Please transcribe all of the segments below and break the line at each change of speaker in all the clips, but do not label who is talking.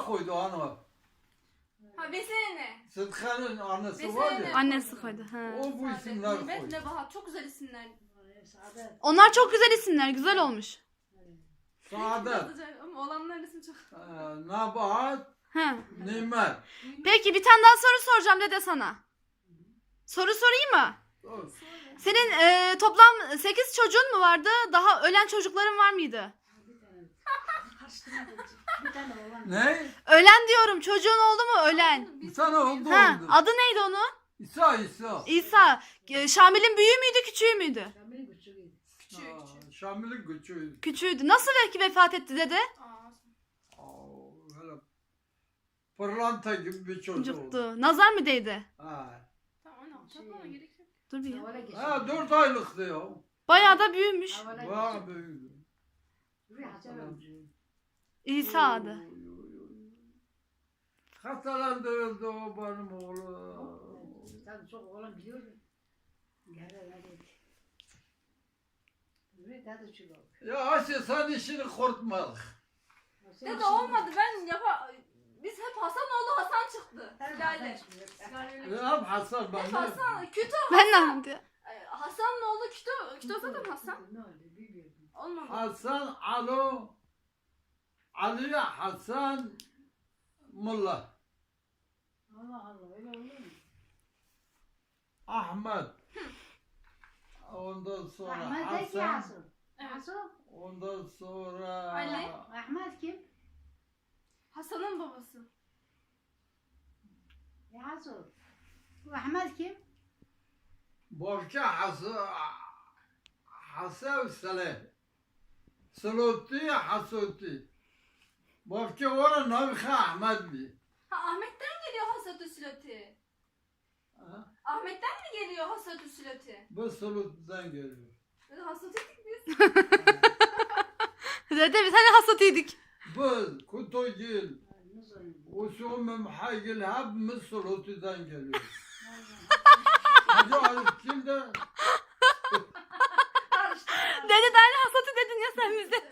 koydu ana.
Ha Vesene.
Sıtkı'nın annesi
Vesene.
var ya.
Annesi koydu. Ha.
O bu isimler
Nimet,
koydu.
Nebahat çok güzel isimler.
Onlar çok güzel isimler. Güzel olmuş.
Saadet,
Ama olanların ismi çok.
Nebahat,
Ha.
Nimet.
Peki bir tane daha soru soracağım dede sana. Soru sorayım mı? Senin toplam 8 çocuğun mu vardı? Daha ölen çocukların var mıydı?
Ne?
Ölen diyorum. Çocuğun oldu mu ölen?
Bir tane oldu
Ha,
oldu.
adı neydi onun?
İsa.
İsa. Şamil'in büyüğü müydü, küçüğü müydü?
Küçük.
Şamil'in küçüğü.
Küçüğüydü. Nasıl belki vefat etti dede?
Böyle pırlanta gibi bir çocuk oldu.
Çocuktu. Nazar mı değdi?
Ha.
Tamam ana takmama gerek yok.
Dur bir ya.
Ha 4 aylıktı ya.
Bayağı da büyümüş.
Bayağı büyüdü.
İsa adı.
Hastalandı öldü o benim oğlum.
Tabii çok oğlan biliyorum.
Ya Ayşe sen işini korkma.
Dede olmadı ben biz hep Hasanoğlu Hasan çıktı. Lale.
Ya hep Hasan ben
Hep
ne?
Hasan. Kütü
Ben ne yaptım?
Hasan'ın Kütü. Kütü zaten Hasan. Olmadı.
Hasan Ali Hasan Mulla.
Allah Allah öyle olur mu?
Ahmet. Ondan sonra
Ahmet de ki
Hasan.
Hasan.
Evet.
Hasan.
Ondan sonra
Ali.
Ahmet kim?
Hasan'ın babası.
Ya Hasan. Bu Ahmet kim?
Borca Hasan Saleh. Suluti Hasuti. Borca ora Navika Ahmet bi.
Ha Ahmet'ten geliyor Hasatü Sülati. Ahmet'ten mi geliyor Hasatü Sülati?
Bu Sulut'tan geliyor.
Hasatü'ydük biz.
Dede biz hani hasatıydık.
Bu Kutogil. Usumum Haygil hep mi Sulut'tan geliyor. Hacı Arif kimde?
Dede de hani hasatı dedin ya sen bize.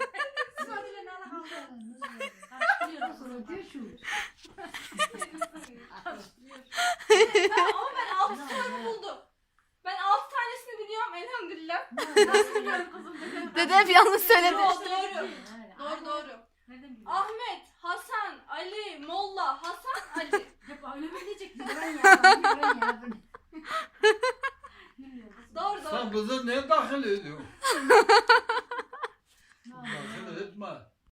Ama ben 6 tane buldum. Ben 6 tanesini biliyorum elhamdülillah. Nasıl biliyorum kızım?
Dede hep yanlış söyledi.
Doğru. Ahmet, Hasan, Ali, Molla, Hasan, Ali.
Hep öyle mi diyecektin?
Doğru.
Sen bize ne dahil ediyorsun?